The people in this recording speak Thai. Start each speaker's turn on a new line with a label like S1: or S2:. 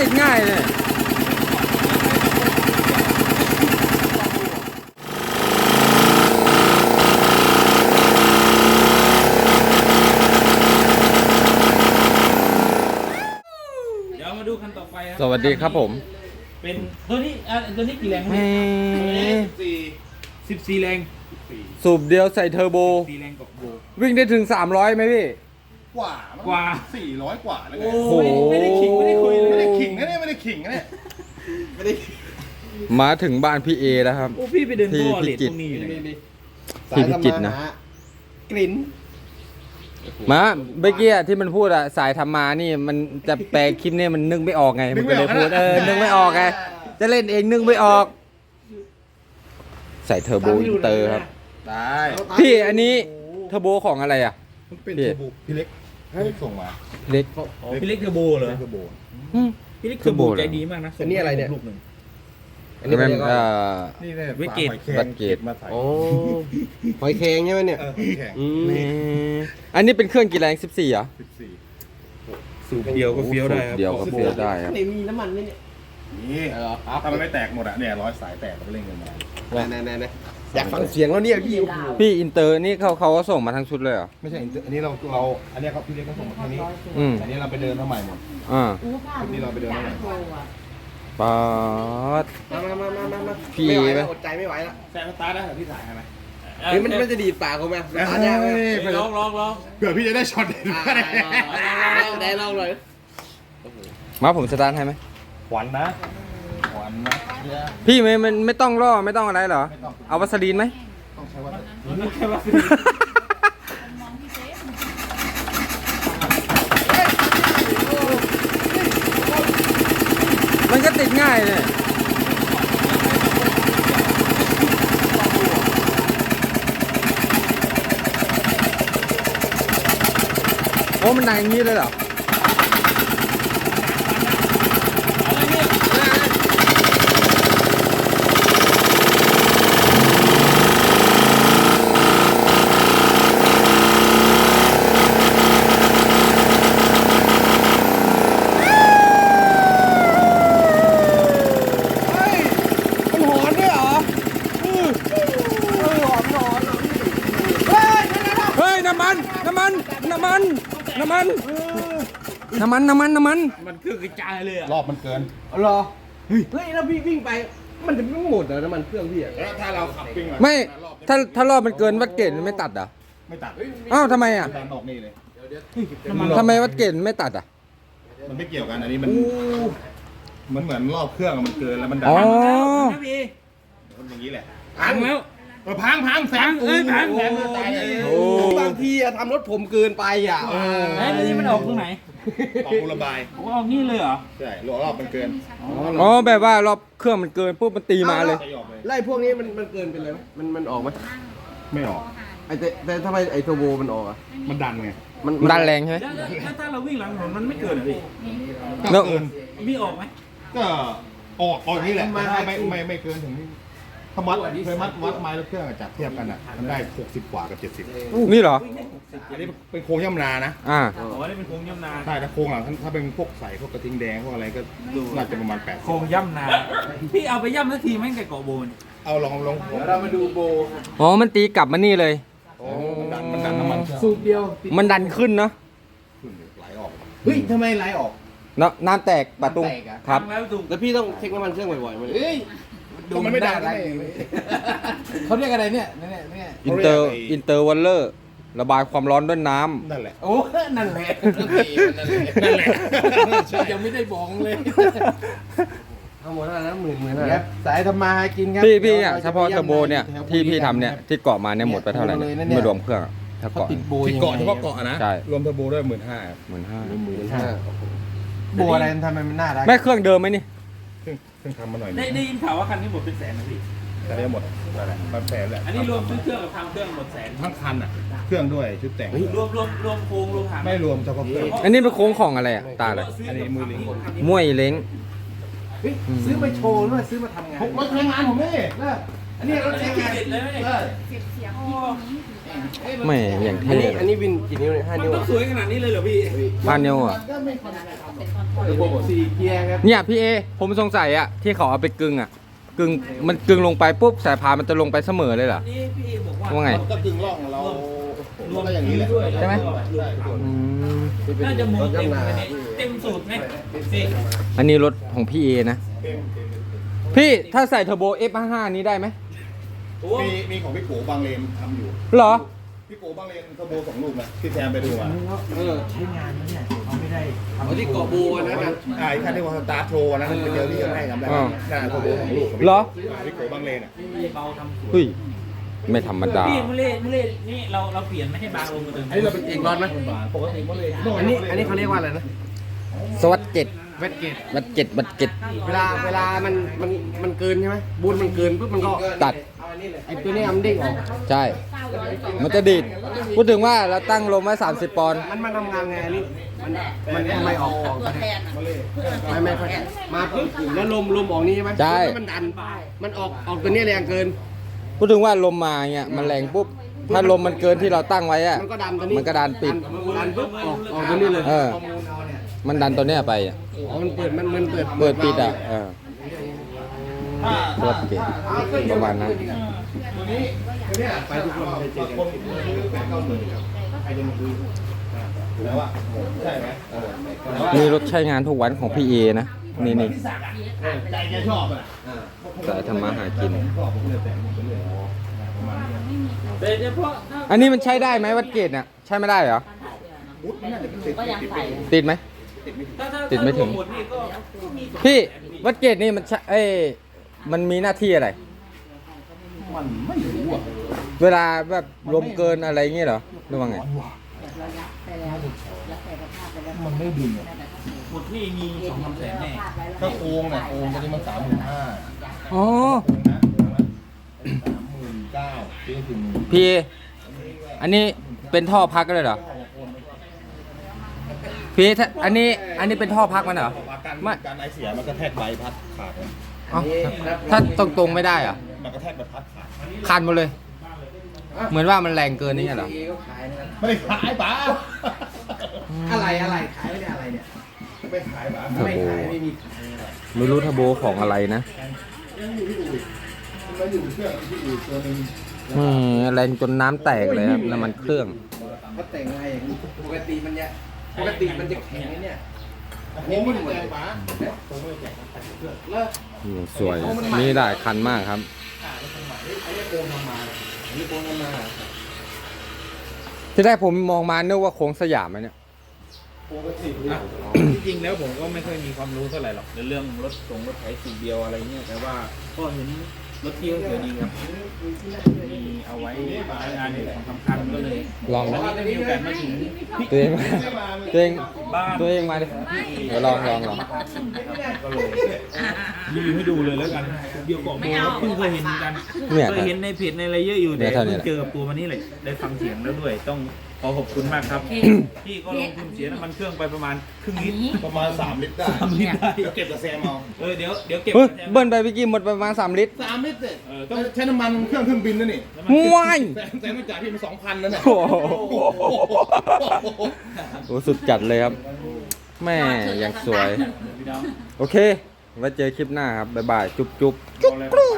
S1: ติดง่ายเลย
S2: เดี๋ยวมาดูคันต่อไปครับ
S1: สวัสดีครับผม
S2: เป็นตัวนี้ตัวนี้กี่แรง 14 แรง
S1: สูบเดียวใส่เทอร์โบ
S2: 4 แรงกับโบ
S1: วิ่งได้ถึง300ไหมพี่
S3: กว่า400 กว่าแล้วไง
S2: โอ้ไม่ได้ขิงไม่ได้คุยเลย
S3: ไม่ได้ขิงนะเนี่ยไม่ได้ขิงนะเนี่ยไม่ได้
S1: มาถึงบ้านพี่เอแล้วครับ
S2: โอ้พี่ไปเดินท่อเล
S1: ที่
S2: ท
S1: พิจิ
S2: ต
S1: ตร
S2: รงนี้อยู่ไหน
S1: ที่พิจิตรนะ
S3: กลิ่น
S1: มาเมื่อกี้ที่มันพูดอะสายธรรมานี่มันจะแปลคลิปเนี่ยมันนึกไม่ออกไงมันก็เลยพูดนึกไม่ออกไงจะเล่นเองนึกไม่ออก ใส่เทอร์โบอินเตอร์ครับ
S3: ได้
S1: พี่อันนี้เทอร์โบของอะไรอ่ะ
S3: มันเป็นเทอร์โบพี่เล็กส่งมา
S1: เล็ก
S2: พี่เล็กเทอร์โบเหรอ
S3: เทอร์โบ
S2: พี่เล็กเทอร์โบใจดีมากนะ
S4: อันนี้อะไรเนี่ย
S2: ลูกหนึ่ง
S4: อันนี้
S1: มั
S4: มัน
S1: น
S4: เรียกว่า
S3: นี่เนี่ย
S2: วิกเกต
S1: วัดเกต
S3: มาใส่
S4: โอ้หอยแครงใช่ไหมเนี่ย
S3: แข่ง
S4: อืม
S1: อันนี้เป็นเครื่องกี่แรง14เหรอ
S3: 14
S2: สูบเดียวก็เฟี้ยวได้ครับ
S1: เดียวก็เฟี้ยวได้ครับ
S4: ไหนมีน้ำมันไหมเนี่ย
S3: นี่ถ้ามันไม่แตกหมดอะเนี่ยร้อยสายแตกเราก็เล่นกันมา
S4: ไหนอยากฟังเสียงแล้วเนี่ยพี่
S1: พี่อินเตอร์นี่เขาก็ส่งมาทั้งชุดเลยเหรอ
S3: ไม่ใช่อันนี้เราอันนี้ครับพี่เล็กก็ส่งมาแค่นี้
S1: อืม
S3: อันนี้เราไปเดินมาใหม่หมด
S1: อ่า
S3: อันนี้เราไปเดินมาใหม่
S1: ป๊าด
S4: มา
S1: พี่
S4: ไม่ไหว
S1: ไหม
S4: แล้วอดใจไม่ไหวแล้ว
S3: แซมสตาร์ทได้เหรอพี่สายไหม
S4: เฮ้ยมันจะดีดปากผมไหมตาเนี่ยไหม
S2: ลอง
S3: เผื่อพี่จะได้ช็อตเด็ดก็ได้
S4: ได้ลองเลย
S1: มาผมสตาร์ทให้ไหม
S3: ขวัญนะขวัญนะ
S1: พี่มันไม่ต้องล่อไม่ต้องอะไรเหรอ
S3: ไม่ต้อง
S1: เอาวัสลีนไหม
S3: ต้องใช้ว่า
S2: นี่แค่ว่า
S1: มันก็ติดง่ายเลยโอ้มันดังอย่างนี้เลยเหรอ
S4: มันหอนด้วยเหรอหอน
S1: เฮ้ยน้ำมัน
S2: มันคือกระจายเลยอ่ะ
S3: รอบมันเกิน
S4: เหรอเฮ้ยแล้วพี่วิ่งไปมันจะไม่หมดเหรอน้ำมันเครื่องพี่อ่ะ
S3: แล้วถ้าเราขับปิ้ง
S1: ไม่ถ้ารอบมันเกินวัดเกณฑ์มันไม่ตัดเหรอ่ะ
S3: ไม่ตัด
S1: อ้าวทำไมอ่ะ
S3: ดันออกนี่เลย
S1: ทำไมวัดเกณฑ์ไม่ตัดอ่ะ
S3: มันไม่เกี่ยวกันอันนี้มันเหมือนรอบเครื่องอะมันเกินแล้วมันดั
S1: อ๋อ
S2: นะพี่
S3: มันอย่างนี้แหละ
S2: พังแล้ว
S3: พังแสง
S2: เอ้ยพัง
S3: แสงตายเลย
S1: โอ้
S4: บางทีอะทำรถผมเกินไปอ่ะ
S2: ไอ้ตัวนี้มันออกตรงไหน
S3: ออกรูระบาย
S2: โอ้ออกนี่เลยเหรอ
S3: ใช่รอบมันเกิน
S1: อ๋อแบบว่ารอบเครื่องมันเกินปุ๊บมันตีมาเลย
S3: จะออกเลย
S4: ไล่พวกนี้มันเกินไปเลยไหมมันออกไหม
S3: ไม่ออก
S4: แต่ทำไมไอโทรโบมันออกอ่ะ
S3: มันดันไง
S1: มันดันแรงใช่ไหม
S2: แล้วถ้าเราวิ่งหลังถนนมันไม่เกิดเหรอพี่
S1: แล้ว
S3: เกิน
S2: วิ่งออกไหม
S3: ก็ออกอย่างนี้แหละแต่ถ้าไม่เกินถึงนี่ถ้าเคยวัดไม้แล้วเครื่องอะจับเทียบกันอ่ะมันได้60 กว่ากับ70
S1: นี่เหรอ
S3: อันนี้เป็นโครงย่ำนานะ
S1: อ่า
S2: อ๋อนี่เป็นโค้งย่ำนา
S3: ใช่ถ้าโครงหลังถ้าเป็นพวกใส่พวกกระทิงแดงพวกอะไรก็น่าจะประมาณ
S2: โค้งย่ำนาพี่เอาไปย่ำสักทีแม่งแต่เกาะโบน
S3: 80เอาลอง
S4: เรามาดูโบ
S1: อ๋อมันตีกลับมานี่เลย
S3: มันดันน้ำมันเครื่อง
S4: สูบเดียว
S1: มันดันขึ้นเนาะ
S3: ไหลออก
S4: เฮ้ยทำไมไหลออก
S1: น้ำแตกปะตุ้ง
S4: น้ำแตกอะ
S1: ครับ
S2: พังแล้วถูก
S4: แล้วพี่ต้องเช็คน้ำมันเครื่องบ่อยๆมัน
S3: ดูมันไม่ดันนะ
S4: เขาเรียกอะไรเนี่ย
S1: อินเตอร์วัลเลอร์ระบายความร้อนด้วยน้ำ
S3: นั่นแหละ
S4: โอ้นั่นแหละ
S3: นั่นแหละ
S4: ยังไม่ได้บอกเลยทั้งหมดเท่าไหร่นะหมื่นครับสายทำมาหากินครับ
S1: พี่เนี่ยเฉพาะเทอร์โบเนี่ยที่พี่ทำเนี่ยที่เกาะมาเนี่ยหมดไปเท่าไหร่เนี่ยไม่รวมเครื่องอะถ้า
S4: เขา
S1: เกาะ
S4: ติดโบ
S3: ที่เกาะเฉพาะเกาะนะ
S1: ใช่
S3: รวมเทอร์โบด้วย15,000
S4: โบอะไรทำไมมันน่ารัก
S1: แม่เครื่องเดิมไหมนี่
S3: เพิ่งทำมาหน่อย
S2: ได้ยินข่าวว่าคันนี้หมดเป็นแสนนะพี่
S3: แต่ได้หมดนั่นแหละมันแสนแหละ
S2: อันนี้รวมซื้อเครื่องกับทำเครื่องหมดแสน
S3: ทั้งคันอ่ะเครื่องด้วยชุดแต่ง
S2: รวมโครงรวมหาง
S3: ไม่รวมเฉพาะเครื่อง
S1: อันนี้เป็นโค้งของอะไรอะตาเลย
S3: อันนี้มือลิง
S1: มวยเล้ง
S4: เฮ้ยซื้อมาโชว์หรือว่าซื้อมาทำงาน
S3: รถใช้งานผมนี่
S4: อันนี้รถใช้งาน
S2: ติดเลยไหมเนี่ย
S5: เก็บเสียง
S1: ไม่อย่าง
S4: อัน
S1: เท่
S4: นี้อันนี้วินกี่นิ้วเนี่ย5
S2: มัน
S4: นิ้ว
S2: ต้องสวยขนาดนี้เลยเหรอพี่
S1: บ้านเนียวอ่ะ
S4: ระบบ4เกียร์ครับ
S1: เนี่ยพี่เอผมสงสัยอ่ะที่เขาเอาไปกึ่งอ่ะกึ่งมันกึ่งลงไปปุ๊บสายพานมันจะลงไปเสมอเลยเหรอ
S2: นี่พี่บอกว่า
S1: ว่าไง
S3: ก็กึ่งร่องเรา
S2: รวม
S3: ก็อย่างนี้แหละ
S2: ด้วย
S1: ใช่ไหม
S3: ใช่ครับ
S1: อืม
S2: น่าจะหมุนเต็มเลยเนี่ยเต็มสูตรไหมพี่
S1: อันนี้รถของพี่เอนะพี่ถ้าใส่เทอร์โบ F55 นี้ได้ไหม
S2: โอ้
S3: มีของพี่โกบางเลนทำอยู่
S1: เหรอ
S3: พี่โกบางเลนเทอร์โบ2 ลูกนะที่แซมไปดูมา
S4: เอาที่เกาะบูนะนะ
S3: ไอ้ท่านที่ว่าสตาร์ทโชว์นะไปเจอที่ยังให้ทำได้
S1: อ๋อ
S3: น่าเทอร์โบ2 ลูก
S1: เหรอ
S3: พี่โกบางเลนอ่ะ
S2: เบาทำสวย
S1: เฮ้ยไม่ธรรมดา
S2: พี่มุเล่นี่เราเปลี่ยนไม่ให้บางลงมาเดิม
S4: อันนี้เราเป็นเอกรอนไหม
S2: ปกติมุเล่
S4: อันนี้เขาเรียกว่าอะไรนะ
S1: สวัสดเจ็ด
S4: เวทเกต
S1: วัดเจ็ดวัดเจ็ด
S4: เวลามันเกินใช่ไหมบูนมันเกินปุ๊บมันก็
S1: ตัด
S4: ไอ้ตัวเนี้ยมันเด้งออก
S1: ใช่ มันจะดีดพูดถึงว่าเราตั้งลมไว้30 ปอนด์
S4: มันทำงานไงอันนี้มันทำไมออก
S5: ตัวแทนอะ
S4: ไม่ค่อยมาปุ๊บแล้วลมออกนี่ใช่ไหม
S1: ใช่
S4: แล้วมันดันมันออกตัวเนี้ยแรงเกิน
S1: พูดถึงว่าลมมาเงี้ยมันแรงปุ๊บถ้าลมมันเกินที่เราตั้งไว้อะ
S4: มันก็ดันตัวนี้
S1: มันก็ดันปิด
S4: ดันปุ๊บออกตัวนี้เลย
S1: เออ มันดันตัวเนี้ยไปอะ
S4: อ๋อมันเปิดมันเปิด
S1: เปิดปิดอ่ะสวัสดเจ็ดประมาณนั้น
S3: ตัวนี้ไปทุกคนไปเจอคนซื้อ8-9 หมื่นครับใครจะมาซื้อแล้วอ่ะใช่ไหม
S1: นี่รถใช้งานทุกวันของพี่เอนะนี่
S3: ใจแกชอบอ่ะ
S1: สายทำมาหากิน
S3: ชอบผมเลยแต่งไปเรื่อยประมาณนี้
S2: แต่เฉพาะถ้า
S1: อันนี้มันใช้ได้ไหมวัดเกตเนี่ยใช้ไม่ได้เหรอ
S3: อุ๊ยมันน่าจะเป็นติด
S5: ก็ยังใส่
S1: ติดไหม ติดไม่ถึง
S2: หมดนี่ก็มี
S1: พี่วัดเกตนี่มันใช้มันมีหน้าที่อะไร
S3: มันไม่รู้อ่ะ
S1: เวลาแบบลมเกินอะไรเงี้ยเหรอหรือว่าไง
S3: มันไม่ดึงอ่ะ
S2: หมดนี่มี2-3 แสนแน่
S3: ถ้าโค้งเนี่ยโค้งตอนนี้มัน35,000
S1: อ๋อ
S3: นะ39,000ซื้อถึง
S1: พี่อันนี้เป็นท่อพักเลยเหรอพี่ถ้าอันนี้เป็นท่อพักมันเหรอ ไม่
S3: การไอเสียมันกระแทกใบพัดขาดเลย
S1: อ๋อถ้าตรงๆไม่ได้เหรอ
S3: มันกระแทกใบพัดขาด
S1: คันหมดเลย เหมือนว่ามันแรงเกินนี่ไงเหรอ
S4: ก็ขายนะครับ
S3: ไม่ได้ขายป๋า
S4: อะไรขายไม่ได้อะไรเนี่ย
S3: ไม่ขายป๋า
S1: เทอร์โบ
S4: ไม่มี
S1: ไม่รู้เทอร์โบของอะไรนะ
S3: มันอยู่เครื่องที่อื่นตัวนึง
S1: แรงจนน้ำแตกเลยครับน้ำมันเครื่อง
S4: เขาแต่งอะไรอย่างนี้ปกติมันจะแข็งเนี่ย
S3: โค้งมันแรงป๋า
S1: สวย มีหลายคันมากครับ ที่แรกผมมองมานึกว่าโค้งสยามไหมเนี่ย
S2: จริงๆแล้วผมก็ไม่ค่อยมีความรู้เท่าไหร่หรอกในเรื่องรถไถสูบเดียวอะไรเงี้ยแต่ว่าก็เห็นรถเที่ยวสวยดีครับมีเอาไว้งานของสำคัญก็เลย
S1: ลอง
S2: วันนี้ได้มีโอกาสมาถึงพี่
S1: ตัวเองมาตัวเอง
S2: บ้าน
S1: ตัวเองมาดิเดี๋ยวลอง
S2: ก็เลยรีวิวให้ดูเลยแล้วกันเดียวเกาะโบครับเพิ่งเคยเห็นเหมือนกัน
S1: เนี่ย
S2: เคยเห็นในเพจในอะไรเยอะอยู่
S1: เนี่
S2: แต่
S1: ยเท่านี้
S2: เพิ่งเจอกับตัวมันนี่เลยได้ฟังเสียงแล้วด้วย ต้องขอขอบคุณมากครับพี่ก็ลงทุนเสียน้ำมันเครื่องไปประมาณครึ่งลิตร
S3: ประมาณ3 ลิตรได้
S2: 3 ลิตรได้
S3: เดี๋ยวเก็บกับแซมเอา
S2: เดี๋ยวเก็บ
S1: เฮ้ย
S2: ไว้
S1: เบิ้ลไปเมื่อกี้หมดประมาณ3 ลิตร
S3: 3 ลิตรเสร็จ
S2: ต้อง
S3: ใช้น้ำมันเครื่องบินนั่นนี่
S1: ว้าย
S3: แซมต้องจ่ายพี่มา2,000นั่นแหละ
S1: โอ้โหโอ้สุดจัดเลยครับ แม่ยังสวย โอเค ไว้เจอคลิปหน้าครับ บ๊ายบาย จุ๊บจุ๊บ
S2: บอกเลย